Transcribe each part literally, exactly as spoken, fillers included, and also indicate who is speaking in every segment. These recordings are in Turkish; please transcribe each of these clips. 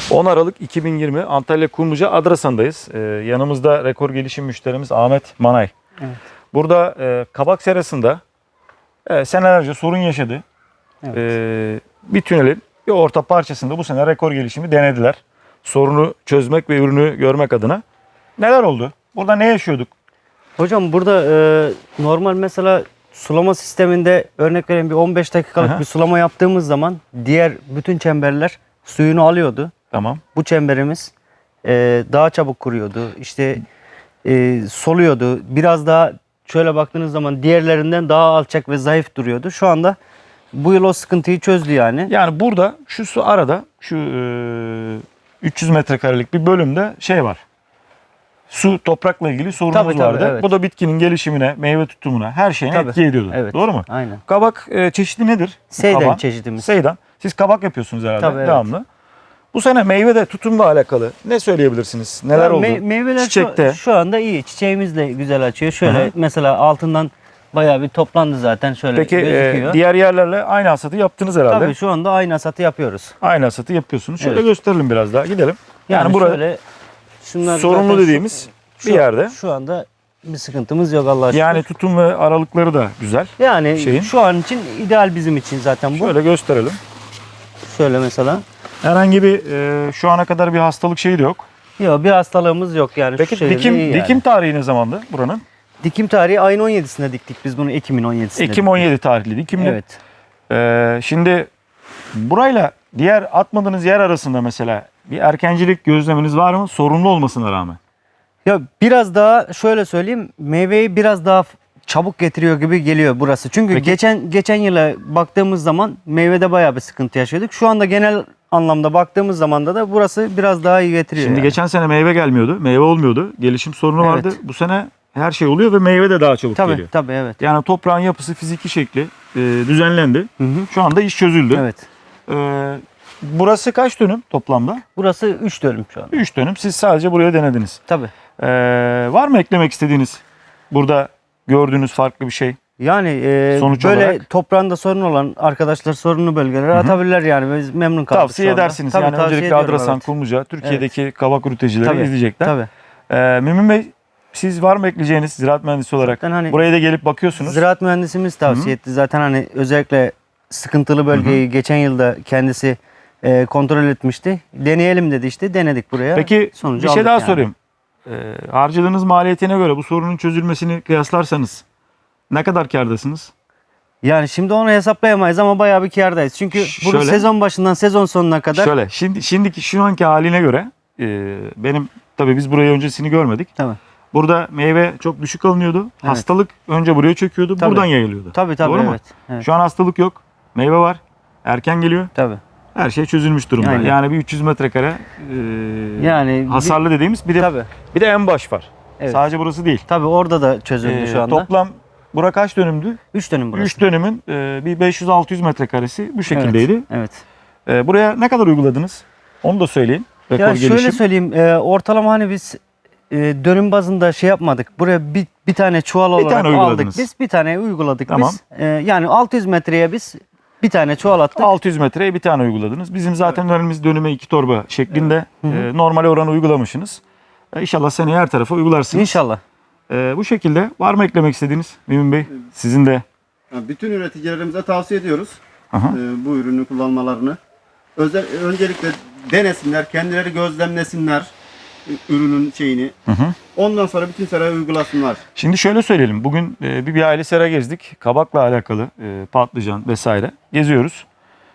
Speaker 1: on Aralık iki bin yirmi Antalya Kumluca Adrasan'dayız. Ee, yanımızda rekor gelişim müşterimiz Ahmet Manay.
Speaker 2: Evet.
Speaker 1: Burada e, kabak serasında e, senelerce sorun yaşadı.
Speaker 2: Evet.
Speaker 1: E, bir tünelin bir orta parçasında bu sene rekor gelişimi denediler. Sorunu çözmek ve ürünü görmek adına. Neler oldu? Burada ne yaşıyorduk?
Speaker 2: Hocam burada e, normal mesela sulama sisteminde örnek vereyim bir on beş dakikalık
Speaker 1: Aha.
Speaker 2: bir sulama yaptığımız zaman diğer bütün çemberler suyunu alıyordu.
Speaker 1: Tamam.
Speaker 2: Bu çemberimiz e, daha çabuk kuruyordu. İşte e, soluyordu. Biraz daha şöyle baktığınız zaman diğerlerinden daha alçak ve zayıf duruyordu. Şu anda bu yıl o sıkıntıyı çözdü yani.
Speaker 1: Yani burada şu su arada şu e, üç yüz metrekarelik bir bölümde şey var. Su toprakla ilgili sorunumuz
Speaker 2: Tabii, tabii,
Speaker 1: vardı.
Speaker 2: evet.
Speaker 1: Bu da bitkinin gelişimine, meyve tutumuna, her şeyine
Speaker 2: Tabii.
Speaker 1: etki ediyordu.
Speaker 2: Evet.
Speaker 1: Doğru mu?
Speaker 2: Aynen.
Speaker 1: Kabak e, çeşidi nedir?
Speaker 2: Seyden
Speaker 1: Kabağın?
Speaker 2: çeşidimiz.
Speaker 1: Seydan. Siz kabak yapıyorsunuz herhalde
Speaker 2: Tabii, evet.
Speaker 1: devamlı. Bu sene meyvede tutumla alakalı ne söyleyebilirsiniz? Neler
Speaker 2: Ya
Speaker 1: oldu?
Speaker 2: me- meyveler
Speaker 1: Çiçekte.
Speaker 2: Şu, şu anda iyi. Çiçeğimiz de güzel açıyor. Şöyle
Speaker 1: Hı hı.
Speaker 2: mesela altından bayağı bir toplandı zaten şöyle
Speaker 1: Peki e,
Speaker 2: gözüküyor.
Speaker 1: diğer yerlerle aynı hasatı yaptınız herhalde.
Speaker 2: Tabii şu anda aynı hasatı yapıyoruz.
Speaker 1: Aynı hasatı yapıyorsunuz. Şöyle
Speaker 2: Evet.
Speaker 1: gösterelim biraz daha. Gidelim. Yani,
Speaker 2: Yani,
Speaker 1: burada
Speaker 2: şöyle şunlar
Speaker 1: sorunlu
Speaker 2: zaten
Speaker 1: dediğimiz
Speaker 2: şu,
Speaker 1: bir yerde.
Speaker 2: Şu anda bir sıkıntımız yok Allah'a şükür.
Speaker 1: Yani tutum ve aralıkları da güzel.
Speaker 2: Yani
Speaker 1: şeyin.
Speaker 2: şu an için ideal bizim için zaten bu.
Speaker 1: Şöyle gösterelim.
Speaker 2: Şöyle mesela.
Speaker 1: Herhangi bir e, şu ana kadar bir hastalık şeyi de yok.
Speaker 2: Yok bir hastalığımız yok yani.
Speaker 1: Peki
Speaker 2: şu şekilde
Speaker 1: dikim
Speaker 2: iyi yani.
Speaker 1: dikim tarihi ne zamandı buranın?
Speaker 2: Dikim tarihi ayın on yedisinde diktik biz bunu Ekim'in on yedisinde.
Speaker 1: Ekim
Speaker 2: diktik.
Speaker 1: on yedi tarihli dikimli.
Speaker 2: Evet.
Speaker 1: E, şimdi burayla diğer atmadığınız yer arasında mesela bir erkencilik gözleminiz var mı? Sorunlu olmasına rağmen.
Speaker 2: Ya biraz daha şöyle söyleyeyim, meyveyi biraz daha çabuk getiriyor gibi geliyor burası. Çünkü
Speaker 1: Peki.
Speaker 2: geçen geçen yıla baktığımız zaman meyvede bayağı bir sıkıntı yaşadık. Şu anda genel anlamda baktığımız zaman da da burası biraz daha iyi getiriyor.
Speaker 1: Şimdi
Speaker 2: yani.
Speaker 1: geçen sene meyve gelmiyordu. Meyve olmuyordu. Gelişim sorunu
Speaker 2: Evet.
Speaker 1: vardı. Bu sene her şey oluyor ve meyve de daha çabuk
Speaker 2: Tabii
Speaker 1: geliyor.
Speaker 2: tabii evet.
Speaker 1: Yani toprağın yapısı, fiziki şekli e, düzenlendi.
Speaker 2: Hı hı.
Speaker 1: Şu anda iş çözüldü.
Speaker 2: Evet.
Speaker 1: E, burası kaç dönüm toplamda?
Speaker 2: Burası üç dönüm şu an.
Speaker 1: üç dönüm. Siz sadece buraya denediniz.
Speaker 2: Tabii.
Speaker 1: E, var mı eklemek istediğiniz? Burada gördüğünüz farklı bir şey.
Speaker 2: Yani e,
Speaker 1: Sonuç
Speaker 2: böyle
Speaker 1: olarak-
Speaker 2: toprağında sorun olan arkadaşlar sorunlu bölgelere atabilirler yani. Biz memnun kaldık
Speaker 1: Tavsiye
Speaker 2: şu anda.
Speaker 1: edersiniz.
Speaker 2: Tabii,
Speaker 1: yani
Speaker 2: tavsiye
Speaker 1: öncelikle
Speaker 2: ediyorum,
Speaker 1: Adrasan,
Speaker 2: evet.
Speaker 1: Kumluca, Türkiye'deki kabak üreticileri
Speaker 2: Tabii,
Speaker 1: izleyecekler.
Speaker 2: Tabii.
Speaker 1: E, Mümin Bey, siz var mı ekleyeceğiniz ziraat mühendisi olarak?
Speaker 2: Zaten hani-
Speaker 1: Buraya da gelip bakıyorsunuz.
Speaker 2: Ziraat mühendisimiz tavsiye etti. Zaten hani özellikle sıkıntılı bölgeyi geçen yılda kendisi e, kontrol etmişti. Deneyelim dedi işte. Denedik buraya.
Speaker 1: Peki
Speaker 2: Sonucu
Speaker 1: bir şey
Speaker 2: aldık
Speaker 1: daha
Speaker 2: yani.
Speaker 1: sorayım. Ee, harcadığınız maliyetine göre bu sorunun çözülmesini kıyaslarsanız ne kadar kârdasınız?
Speaker 2: Yani şimdi onu hesaplayamayız ama bayağı bir kârdayız. Çünkü
Speaker 1: Ş-
Speaker 2: bunu
Speaker 1: şöyle.
Speaker 2: sezon başından sezon sonuna kadar.
Speaker 1: Şöyle şimdi şimdiki şu anki haline göre e, benim tabii biz burayı öncesini görmedik.
Speaker 2: Tabii.
Speaker 1: Burada meyve çok düşük alınıyordu. Hastalık önce buraya çöküyordu.
Speaker 2: Tabii.
Speaker 1: Buradan yayılıyordu.
Speaker 2: Tabii tabii
Speaker 1: Doğru mu?
Speaker 2: evet. evet.
Speaker 1: Şu an hastalık yok. Meyve var. Erken geliyor.
Speaker 2: Tabii.
Speaker 1: Her şey çözülmüş durumda.
Speaker 2: Aynen.
Speaker 1: Yani bir üç yüz metrekare e,
Speaker 2: Yani
Speaker 1: hasarlı dediğimiz bir de
Speaker 2: Tabii.
Speaker 1: bir de en baş var.
Speaker 2: Evet.
Speaker 1: Sadece burası değil.
Speaker 2: Tabii orada da çözüldü
Speaker 1: Ee,
Speaker 2: şu anda.
Speaker 1: Toplam bura kaç dönümdü?
Speaker 2: üç dönüm burası.
Speaker 1: üç dönümün e, bir beş yüz altı yüz metrekaresi bu şekildeydi.
Speaker 2: Evet. evet.
Speaker 1: E, buraya ne kadar uyguladınız? Onu da söyleyin. Rekor
Speaker 2: Ya
Speaker 1: gelişim.
Speaker 2: şöyle söyleyeyim. e, ortalama hani biz e, dönüm bazında şey yapmadık. Buraya bir, bir tane çuval olarak
Speaker 1: tane
Speaker 2: aldık
Speaker 1: uyguladınız.
Speaker 2: biz. Bir tane uyguladık
Speaker 1: Tamam.
Speaker 2: biz. E, yani altı yüz metreye biz bir tane çuval attık.
Speaker 1: altı yüz metreye bir tane uyguladınız. Bizim zaten önümüz dönüme iki torba şeklinde
Speaker 2: Hı hı.
Speaker 1: e, normal oranı uygulamışsınız. E, İnşallah seneye her tarafa uygularsınız.
Speaker 2: İnşallah.
Speaker 1: E, bu şekilde var mı eklemek istediğiniz Mümin Bey? Sizin de.
Speaker 3: Yani bütün üreticilerimize tavsiye ediyoruz
Speaker 1: Aha.
Speaker 3: e, bu ürünü kullanmalarını. Özel, öncelikle denesinler, kendileri gözlemlesinler e, ürünün şeyini.
Speaker 1: Hı hı.
Speaker 3: Ondan sonra bütün seraya uygulasınlar.
Speaker 1: Şimdi şöyle söyleyelim. Bugün e, bir, bir aile sera gezdik. Kabakla alakalı e, patlıcan vesaire geziyoruz.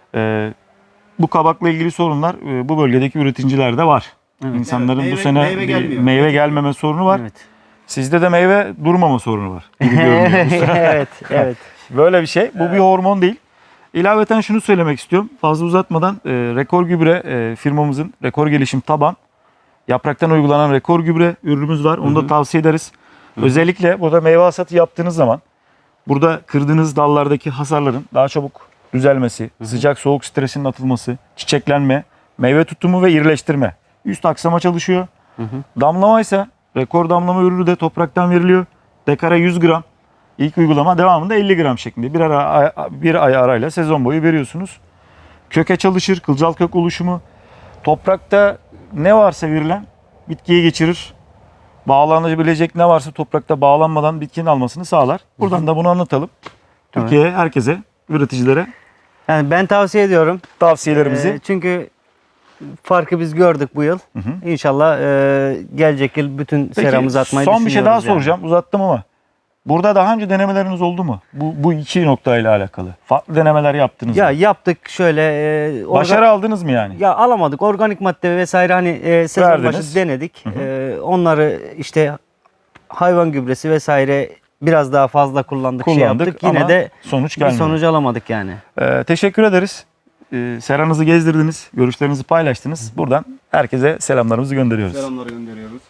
Speaker 1: E, bu kabakla ilgili sorunlar e, bu bölgedeki üreticilerde var.
Speaker 2: Evet.
Speaker 1: İnsanların
Speaker 3: Evet,
Speaker 1: bu
Speaker 3: meyve-
Speaker 1: sene
Speaker 3: meyve
Speaker 1: bir
Speaker 3: gelmiyor.
Speaker 1: meyve gelmeme sorunu var.
Speaker 2: Evet.
Speaker 1: Sizde de meyve durmama sorunu var gibi görünüyor. bu sene.
Speaker 2: evet, evet.
Speaker 1: Böyle bir şey. Bu bir hormon değil. İlaveten şunu söylemek istiyorum. Fazla uzatmadan e, Rekor Gübre e, firmamızın Rekor Gelişim Taban yapraktan uygulanan Rekor Gübre ürünümüz var. Onu da tavsiye ederiz. Özellikle burada meyve hasatı yaptığınız zaman burada kırdığınız dallardaki hasarların daha çabuk düzelmesi, sıcak soğuk stresinin atılması, çiçeklenme, meyve tutumu ve irileştirme. Üst aksama çalışıyor. Damlama ise rekor damlama ürünü de topraktan veriliyor. Dekara yüz gram. İlk uygulama devamında elli gram şeklinde bir, ara, bir ay arayla sezon boyu veriyorsunuz. Köke çalışır, kılcal kök oluşumu, toprakta ne varsa verilen bitkiye geçirir. Bağlanabilecek ne varsa toprakta bağlanmadan bitkinin almasını sağlar. Buradan da bunu anlatalım. Türkiye'ye, herkese, üreticilere
Speaker 2: Yani ben tavsiye ediyorum.
Speaker 1: tavsiyelerimizi.
Speaker 2: Ee, çünkü farkı biz gördük bu yıl. İnşallah e, gelecek yıl bütün
Speaker 1: Peki,
Speaker 2: seramızı atmayı
Speaker 1: son bir şey daha
Speaker 2: düşünüyoruz yani.
Speaker 1: soracağım. Uzattım ama. Burada daha önce denemeleriniz oldu mu? Bu, bu iki noktayla alakalı. Farklı denemeler yaptınız
Speaker 2: Ya
Speaker 1: mı?
Speaker 2: yaptık şöyle. E, orga-
Speaker 1: Başarı aldınız mı yani?
Speaker 2: Ya alamadık. Organik madde vesaire hani e, sezon
Speaker 1: Verdiniz.
Speaker 2: başı denedik. E, onları işte hayvan gübresi vesaire biraz daha fazla kullandık, şey
Speaker 1: Kullandık
Speaker 2: yaptık. Yine
Speaker 1: ama
Speaker 2: de
Speaker 1: sonuç
Speaker 2: bir
Speaker 1: gelmedi.
Speaker 2: sonuç alamadık yani.
Speaker 1: Ee, teşekkür ederiz. Ee, seranızı gezdirdiniz, görüşlerinizi paylaştınız. Buradan herkese selamlarımızı gönderiyoruz.
Speaker 3: Selamları gönderiyoruz.